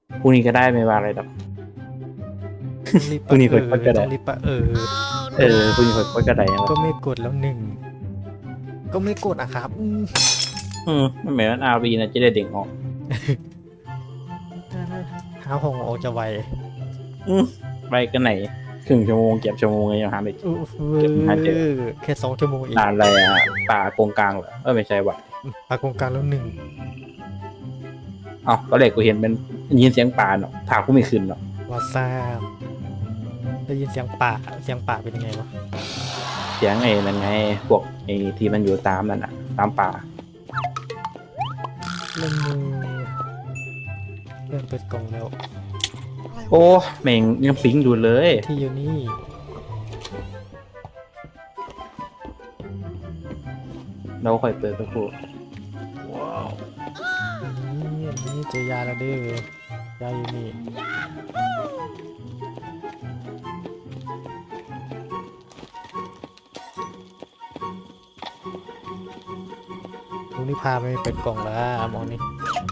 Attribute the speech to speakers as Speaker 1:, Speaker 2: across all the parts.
Speaker 1: พรุ่งนี้ก็ได้ไม่ว่าอะไรหรอก
Speaker 2: รีบ
Speaker 1: พรุ่งนี้ค่อยก็ได้
Speaker 2: ต้องรีบปะ
Speaker 1: พรุ่งนี้ค่อยก็ได้ยัง
Speaker 2: ก็ไม่กดแล้วหนึ่งก็ไม่กดอะครับ
Speaker 1: มันเหมือนอาร์วีนะจะได้เด็กออก
Speaker 2: หาห้องออกจะไว
Speaker 1: ไปกันไหนครึ่งชั่วโมงเก็บชั่วโมงยังหาไม่เจอ เก็บหาเจอ
Speaker 2: แค่2 ชั่วโมงเอง
Speaker 1: นานอะไรอ่ะป่าโกงกลางเหรอไม่ใช่ว่ะ
Speaker 2: ปากกงกลางแล้วหนึ่ง
Speaker 1: เอ้าก็เลยกูเห็นเป็นยินเสียงป่าเนาะถามกูไม่ขึ้นเนาะ
Speaker 2: วาซาบได้ยินเสียงป่าเป็นยังไงวะ
Speaker 1: เสียงไอ้นั่นไงพวกไอ้ที่มันอยู่ตามนั่นอ่ะตามป่า
Speaker 2: เริ่มมือเริ่มเปิดกล่องแล้ว
Speaker 1: โอ้แม่งยังปิ๊งอยู่เลย
Speaker 2: ที่อยู่นี่
Speaker 1: เราค่อยเปิดสักครู่
Speaker 2: นี่เจอยาแล้วเด้อยาอยู่นี่ลุงนี่พาไปเปิดกล่องแล้วมองนี่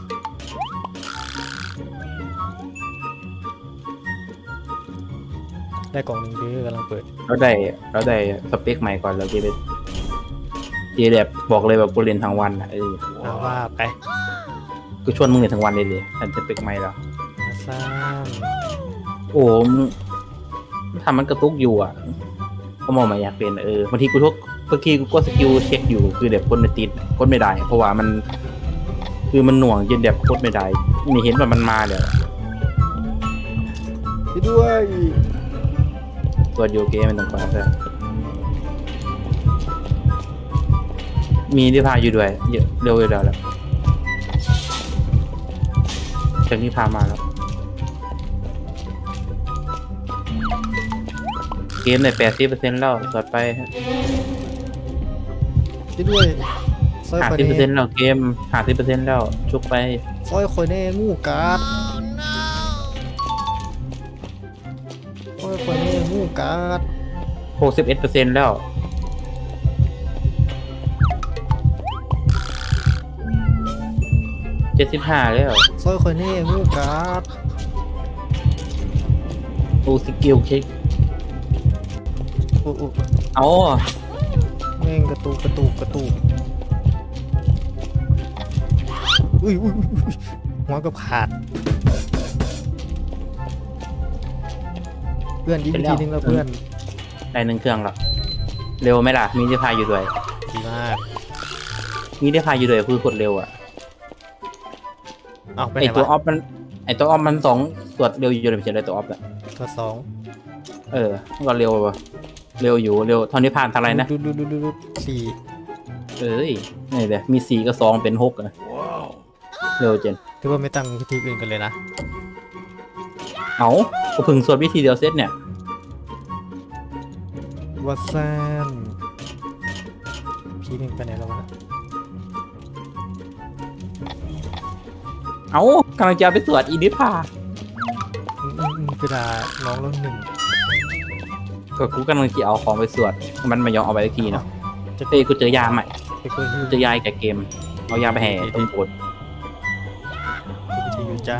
Speaker 2: ได้กล่องหนึ่งเด้อกำลังเปิด
Speaker 1: เราได้สเปคใหม่ก่อนเราจะไปแบบบอกเลยแบบกูเรียนทั้งวันอ่ะ
Speaker 2: เอาว่าไป
Speaker 1: กูชวนมึงเรียนทั้งวันเลยอันสเปคใหม่แล้ว
Speaker 2: มาสร้าง
Speaker 1: โอ้มึงทำมันกระตุกอยู่อ่ะก็มองมาอยากเป็นบางทีกูก็สกิลเช็คอยู่คือแบบคนไม่ติดคนไม่ได้ เพราะว่ามันคือมันหน่วงจนแบบโคตรไม่ได้ไม่เห็นว่ามันมาเลย
Speaker 2: พี่ด้วย
Speaker 1: ตัวโยเกมมันต่างๆเลยมีที่พาอยู่ด้วยเยอะเร็วอยู่แล้วเชิงที่พามาแล้วเกมใน80%แล้วสอดไป
Speaker 2: พี่ด้วยซอยคอยแน่
Speaker 1: 50%แล้วเกม50%แล้วชุกไป
Speaker 2: ซอยคอยแน่งูกัดซอยคอยแน่งูกัด
Speaker 1: 61%แล้ว75แล้ว
Speaker 2: ซอยคอยแน่งูกัด
Speaker 1: โอ้สกิลเช็ค
Speaker 2: อุ๊
Speaker 1: เอา
Speaker 2: แม่งกระตุกอุ้ยหัวกับขาดเพื่อนยิงอีกทีนึงแล้วเพื่อน
Speaker 1: ได้1เครื่องแล้วเร็วไหมล่ะมีที่พาอยู่ด้วย
Speaker 2: ดีมาก
Speaker 1: มีที่พาอยู่ด้วยคือโคตรเร็วอ่ะ
Speaker 2: เอาไป
Speaker 1: ไอ
Speaker 2: ไหน
Speaker 1: ตัวอ
Speaker 2: วะ
Speaker 1: อฟมัน2ตรวจเร็วอยู่เลยไม่ใช่เลยตัวออฟอ่ะ
Speaker 2: ตัวสอง
Speaker 1: มันก็เร็วป่ะเร็วอยู่เร็วเท่านี้ผ่านทางไรนะ
Speaker 2: ดูสี่
Speaker 1: นี่เลยมี4กับ2เป็น6อ่ะเร็วเจน
Speaker 2: ถือว่าไม่ตั้งวิธีอื่นกันเลยนะ
Speaker 1: เอาก็พึ่งสวดวิธีเดียวเซตเนี่ย
Speaker 2: วัดซานพี่หนึ่งไปไหนแล้ววะ
Speaker 1: เอากำลังจะไปสวดอีนิพา
Speaker 2: กระดาษน้องแล้วหนึ่ง
Speaker 1: ก็กูกำลังจะเอาของไปสวดมันไม่ยอมเอาไปสักทีเนาะ
Speaker 2: จะ
Speaker 1: กูเจอยาใหม่
Speaker 2: ไปคุยที่
Speaker 1: เจอยาแก่เกมเอายาไปแห่ต้นโพด
Speaker 2: ที่อยู่จ้า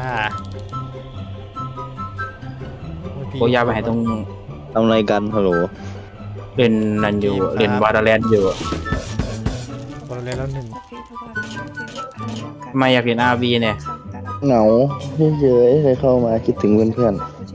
Speaker 1: เอายาไปแห่ตรง
Speaker 3: ทำอะไรกันฮัลโหล
Speaker 1: เล่นนันอยู่เล่นวาดาแลนด์อยู่
Speaker 2: บอลแล้วหนึ่ง
Speaker 1: ไม่อยากเล่นอาร์วีเนี่ย
Speaker 3: เหงาเฉยๆเลยเข้ามาคิดถึงเพื่อน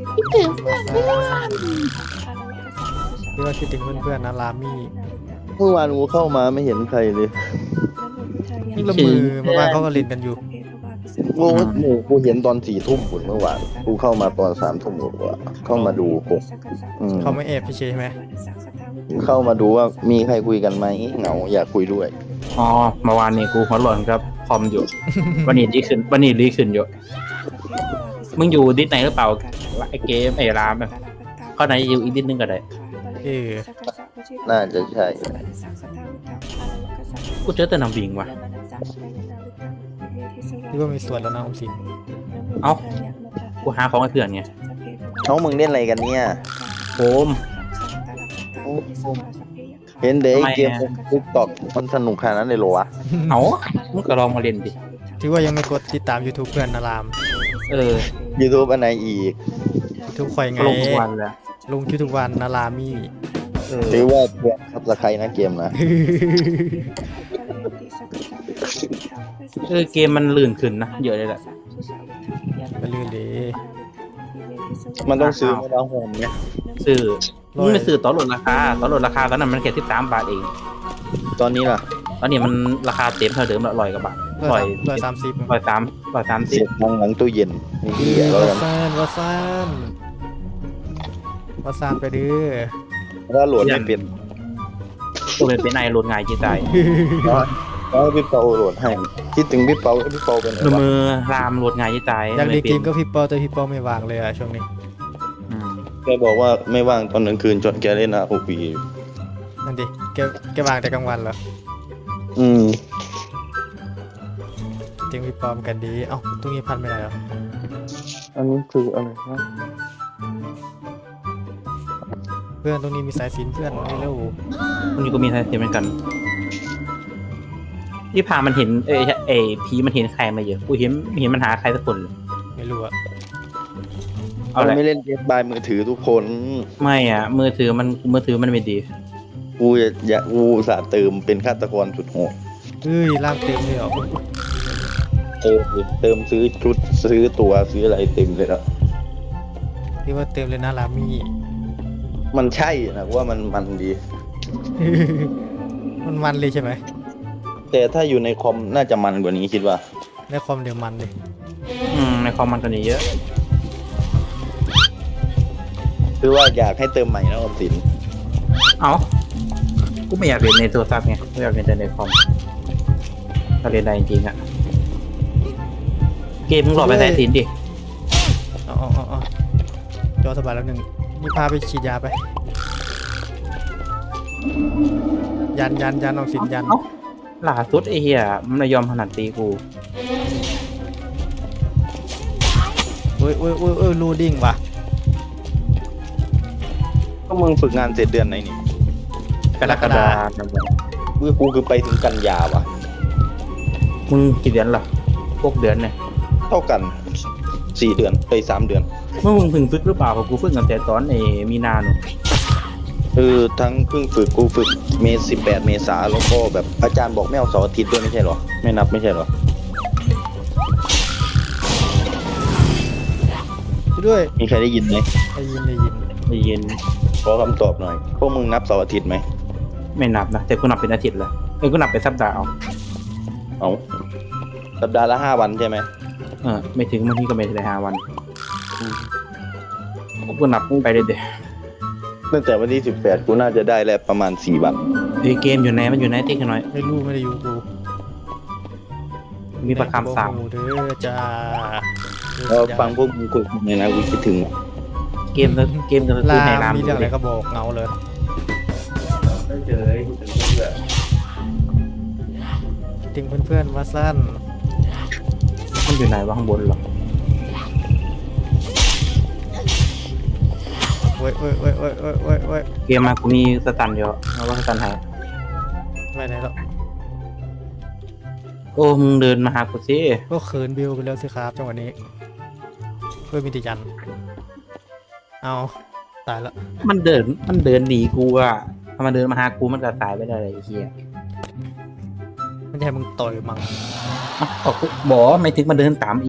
Speaker 2: ที่ว่าคิดถึงเพื่อนๆนะรามี่
Speaker 3: ๆเมื่อวานกูเข้ามาไม่เห็นใครเลย
Speaker 2: นี่ละมือเมื่อวานเขาก็เล่นกันอยู่
Speaker 3: กูเห็นตอน4 ทุ่มเมื่อวานกูเข้ามาตอน3 ทุ่มกว่าเข้ามาดูกูม
Speaker 2: เขาไม่แอบพี่เชใช่ไหม
Speaker 3: เข้ามาดูว่ามีใครคุยกันไหมเหงาอยากคุยด้วย
Speaker 1: อ๋อเมื่อวานนี้กูหัวหล่นครับคอมอยู่ วันนี้ดีขึ้นอยู่มึงอยู่ดิสไหนหรือเปล่าไอเกมไอรามแบบข้อไหนอยู่อีกดิสนึงก็ได้
Speaker 3: น่าจะใช่
Speaker 1: กูเจอแต่น้ำบิงว่ะ
Speaker 2: ที่ว่ามีส่วนแล้วนะอมสิน
Speaker 1: เอ้ากูหาของให้เพื่อนไง
Speaker 3: น้องมึงเล่นอะไรกันเนี่ย
Speaker 1: โฟม
Speaker 3: เห็นเด็ก
Speaker 1: ทำไม
Speaker 3: เกม
Speaker 1: อะ
Speaker 3: ติ๊กต็อกมันสนุกขนาดนั้นเลยเหรอวะ
Speaker 1: เอ้ามึงก็ลองมาเล่นดิ
Speaker 2: ที่ว่ายังไม่กดติดตาม YouTube เพื่อนนะราม
Speaker 1: เออ
Speaker 3: YouTube อันไหนอีก
Speaker 2: ทุกคอยไง
Speaker 1: ก็ลงทุกวันแหละ
Speaker 2: ลงคลิปทุกวันนารามี่
Speaker 1: เออ
Speaker 3: ถือว่าเพื่อนครับสไครนะเกมนะ
Speaker 1: เกมมันลื่นขึ้นนะเยอะเลยแหละ
Speaker 2: ไปลื่นดี
Speaker 3: มันต้องซื้อมาแล้วโฮมเนี่ย
Speaker 1: ซื้อมึงไม่ซื้อต่อลดราคาตอนนั้นมันแค่13 บาทเอง
Speaker 3: ตอนนี้ล่ะ
Speaker 1: ตอนนี้มันราคาเต็มเท่าเดิมละ100 กว่าบาท
Speaker 2: 130
Speaker 3: เสียบทางหลังตู้เย็นนี่เหี้ยแล้ว
Speaker 2: วา
Speaker 3: กัน
Speaker 2: ซานวาซานวาซานไปดื้อ
Speaker 3: ถ้าโหลดไม่เป็น
Speaker 1: ตัวเป็นไอโหลดง่ายจีใจ
Speaker 3: แล้วพี่เปาโหลดให้คิดถึงพี่เปาเป็นไงวะ
Speaker 1: มือรามโหลดง่ายจีใจ
Speaker 2: อยากเล่นเกมก็พี่ปอแต่พี่ปอไม่วางเลยอะช่วงนี้
Speaker 3: แกบอกว่าไม่ว่างตอนกลางคืนจนแกเล่นROV
Speaker 2: นั่นดิแกวางแต่กลางวันเหรอ
Speaker 3: อืม
Speaker 2: จริงพี่ปอมกันดีเอ้าตรงนี้พันไม่ได้เหรอ
Speaker 3: อันนี้คืออะไรนะ
Speaker 2: เพื่อนตรงนี้มีสายสิญจนเพื่อนไม่เร็ว
Speaker 1: คนนี้ก็มีไทยเทียมเหมือนกันที่พามันเห็นผีมันเห็นใครมาเยอะกูเห็นมันหาใครสักคนเลย
Speaker 2: ไม่รู้อะ
Speaker 1: เอาแหละ
Speaker 3: ไม่เล่นเกมบายมือถือทุกคน
Speaker 1: ไม่อ่ะมือถือมันไม่ดี
Speaker 3: กูอุตส่าห์เติมเป็นฆาตกรสุดโหด
Speaker 2: เฮ้ยล่างเต็มเลยเหรอ
Speaker 3: เติมซื้อชุดซื้อตัวซื้ออะไรเต็มเลยแล้ว
Speaker 2: ที่ว่าเต็มเลยนะรามี่
Speaker 3: มันใช่นะว่ามันดี
Speaker 2: มันเลยใช่ไหม
Speaker 3: แต่ถ้าอยู่ในคอมน่าจะมันกว่านี้คิดว่า
Speaker 2: ในคอมเดี๋ยวมันเลย
Speaker 1: ในคอมมันตัวนี้เยอะ
Speaker 3: คือว่าอยากให้เติมใหม่นะออมสิน
Speaker 1: เอ้ากูไม่อยากเล่นในโทรศัพท์ไงกูอยากเล่นแต่ในคอมถ้าเล่นได้จริงๆอ่ะเกมมึงหลอกไปใส่สินดิ
Speaker 2: อ๋อจอสบายแล้วหนึ่งนี่พาไปฉีดยาไป ยันเอาสินยัน
Speaker 1: เอ้าล่าสุดไอ้เหี้ยมันไม่ยอมขนาดตีกู
Speaker 2: เอ้ยรูดิ้งว่ะ
Speaker 3: ก็มึงฝึกงานเสร็จเดือนไหนนี่
Speaker 1: กรกฎาคม
Speaker 3: กูคือไปถึงกันยาวะ
Speaker 1: มึงกี่เดือนล่ะพวกเดือนเนี่ย
Speaker 3: เท่ากัน4 เดือนไป3 เดือน
Speaker 1: เมื่อมึงเพิ่งฝึกหรือเปล่าเพราะกูฝึกตั้งแต่ตอนมีนาหนู
Speaker 3: คือทั้งเพิ่งฝึกกูฝึก18 เมษาแล้วก็แบบอาจารย์บอกไม่เอาเสาร์อาทิตย์ด้วยไม่ใช่เหรอไม่นับไม่ใช่เหรอ
Speaker 2: ช่วยด้วย
Speaker 3: มีใครได้ยินไหม
Speaker 2: ได้ยิน
Speaker 1: ได้ยิน
Speaker 3: ขอคำตอบหน่อยพวกมึงนับเสาร์อาทิตย์ไหม
Speaker 1: ไม่นับนะแต่กูนับเป็นอาทิตย์เลยกูนับเป็นสัปดาห์เอา
Speaker 3: เอาสัปดาห์ละ5 วันใช่ไหม
Speaker 1: ไม่ถึงบางทีก็ไม่ได้5 วันกูนับไปเรื่อย
Speaker 3: ตั้งแต่วันที่18กูน่าจะได้แล้วประมาณ4 วัน
Speaker 1: ๆเกมอยู่ไหนมันอยู่ไหนติ๊กหน่อย
Speaker 2: ไม่รู้ไม่ได้อยู่กู
Speaker 1: มีประคำสาม
Speaker 2: โอ้เด้อจ้า
Speaker 3: แล้วฟังพวกมึงคุยกันเลยนะกูคิดถึง
Speaker 1: เกมจะ
Speaker 2: ลา
Speaker 1: ซื้อในราม
Speaker 2: มีเรื่องอะไรก็บอกเงาเลย
Speaker 1: เจอ
Speaker 2: ติงเพื่อนว่าสั้น
Speaker 1: มันอยู่ไหนวะข้างบนหรอ
Speaker 2: เว้ย
Speaker 1: เกมมากูมีสตันเดียวแล้วก็สตันหาย
Speaker 2: ไปไหนแล้ว
Speaker 1: โอ้มึงเดินมาหากูสิ
Speaker 2: ก็เขินบิวไปแล้วสิครับจังหวะนี้เพื่อมีติยันเอาตายแล้ว
Speaker 1: มันเดินหนีกูอะถ้ามันเดินมาหากูมันจะตายไปได้เลยไอ้เหี้ย
Speaker 2: ไม่ใช่มึงต่อยมัง
Speaker 1: บอกไม่ถึงมันเดินตาม